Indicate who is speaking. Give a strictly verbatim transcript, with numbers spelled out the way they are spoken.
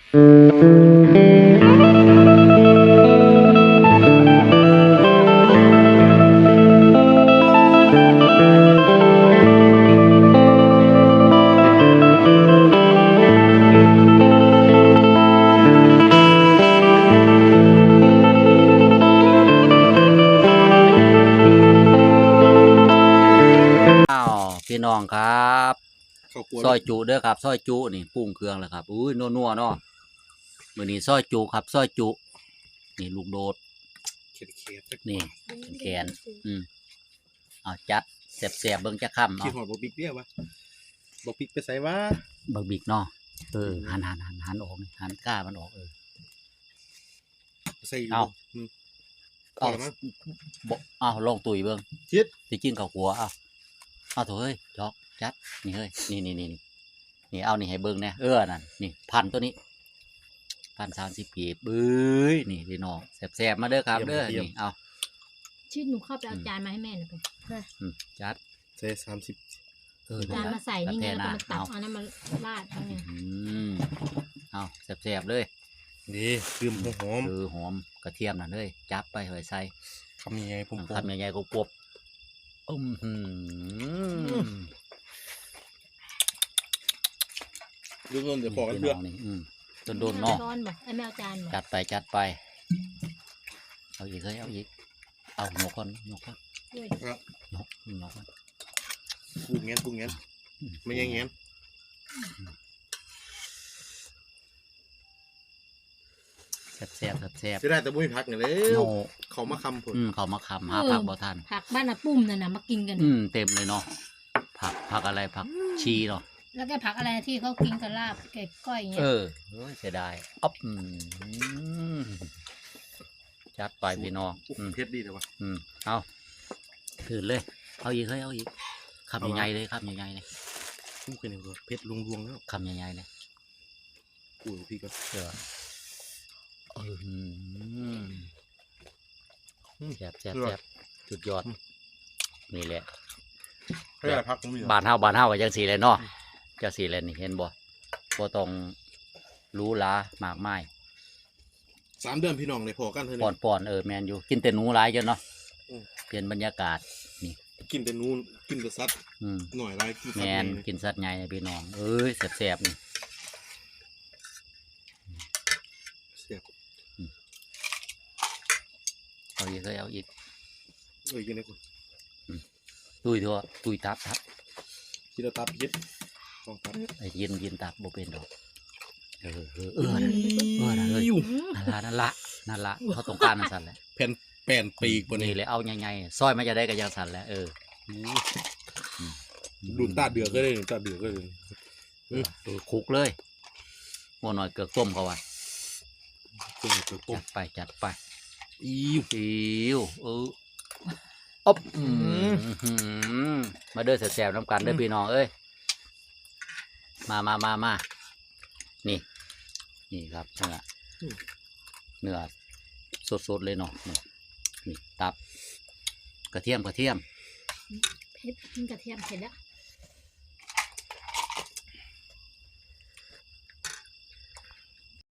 Speaker 1: พี่น้องครับซอยจุเด้อครับซอยจุนี่ปรุงเครื่องแล้วครับอุ้ยนัวๆเนาะมื้อนี้ซอยจุครับซอยจุนี่ลูกโดดนี่แกนอืมเอาจัดแซ่บๆเบิ่งจักค่ำเอา
Speaker 2: ขี้หอดบ่บิ๊กเด้อวะบ่บิ๊กไปใส่วะ
Speaker 1: บักบิกเนาะเออหันๆๆหันออกนี่หันก้ามันออกเออ
Speaker 2: ใส่
Speaker 1: เอาเอาบ่เอาลองตุ๋ยเบิ่ง
Speaker 2: คิด
Speaker 1: สิกินข้าวขัวเอาเอาเถอะเฮ้ยจอกจัดนี่เฮ้ยนี่นี่นี่นี่เอานี่ให้เบิ้งเนี่ยเออนั่นนี่พันตัวนี้พันสามสิบปีบบื้อนี่พี่น้องแสบๆมาเด้อครับเด้อนี่เอา
Speaker 3: ชื่อหนูเข้าไปเอาจานมาให้แม่หน่อยไป
Speaker 1: จัด
Speaker 2: ใส่สามสิบ
Speaker 3: จานมาใส่นี่ไงแล้วก็มาตักเอาน้ำมาราดทั้งนี้
Speaker 1: เอาแสบๆเลย
Speaker 2: นี่คือหอม
Speaker 1: คือหอมกระเทียมนั่นเลยจับไปหอยใส่
Speaker 2: คำใหญ่ๆผม
Speaker 1: คำใหญ่ๆกบอืมหืม
Speaker 2: ดูโดนเดี๋ยวพอกันเลือด
Speaker 1: นี่อืมต้นโดนเนาะ
Speaker 3: ไอ้แมวจาน
Speaker 1: จัดไปจัดไปเอาอีกเลยเอาอีกเอาหนกก่อนหนกก่อนหนกหนกก่อน
Speaker 2: ปรุงเงี้ยปรุงเงี้ยไม่ยังเงี้ย
Speaker 1: แซ่บแซ่บแซ่บ
Speaker 2: จะได้แต่บุ้ยผักเนี่ยเลยเขามาคำผล
Speaker 1: อืมเขามาคำหาผักบ่ทัน
Speaker 3: ผักบ้านน่ะปุ้มน่ะนะมากินกัน
Speaker 1: อืมเต็มเลยเนาะผักผักอะไรผักชีเนาะ
Speaker 3: แล้วก็ผักอะไรที่เขากินกับลาบแกก้อยเงี้ย
Speaker 1: เออเสียดายอ๊อบจัดไปพี่น้อง
Speaker 2: เพชรดีเลยวะ
Speaker 1: อืมเอาถือเลยเอาอีกเฮ้ยเอาอีกคำใหญ่ๆเลยคำใหญ่ๆเลย
Speaker 2: พุ่งไปเนี่ยเพชรลงรวงแล้ว
Speaker 1: คำใหญ่ๆเลย
Speaker 2: กูพี่ก็
Speaker 1: เดี๋ยวเออแซ่บแซ่บแซ่บจุดยอดนี่แหละบานเฮาบานเฮากับจังสีเลยเนาะจังสีเลยนี่เห็นบ่บ่ต้องรู้ล้ามากมาย
Speaker 2: สามเดือนพี่น้องเลยพอกันเท่านี้
Speaker 1: ปอนๆเออแมนอยู่กินแต่หนูหลายจนเนาะเปลี่ยนบรรยากาศนี่
Speaker 2: กินแต่นูนกินแต่สัตว์หน่อยไร
Speaker 1: แมนกินสัตว์ใหญ่พี่น้องเอ้ยแซ่บๆนี่เอาอีกเลยเอาอีก
Speaker 2: เอ้ยกินได้คุณ
Speaker 1: ตุยทั่วตุยตับทับ
Speaker 2: ที่เราตับยึดของตับ
Speaker 1: ไอ้ยินยินตับโบเป็นดอกเออเออเออเออนั่นเลยนั่นละนั่นละเขาต้องการนั่นสั่นแหละ
Speaker 2: แผ่นแผ่นปีกบน
Speaker 1: นี้เลยเอาใหญ่ๆซอยมันจะได้กับยังสั่นแหละเออ
Speaker 2: ดุนตาเดือดก็ได้ตาเดือดก็ได้
Speaker 1: เออคุกเลยโมหน่อยเกลือต้มเขาว่ะจัดไปจัดไป
Speaker 2: อิว
Speaker 1: อิวเอออ๊อบมาเด้อแซ่บๆน้ำกันเด้อพี่น้องเอ้ยมามามามานี่นี่ครับเนื้อเนื้อสดๆเลยเนาะนี่ตับกระเทียมกระเทียม
Speaker 3: เผ็ดกินกระเทียมเผ็ดแล้ว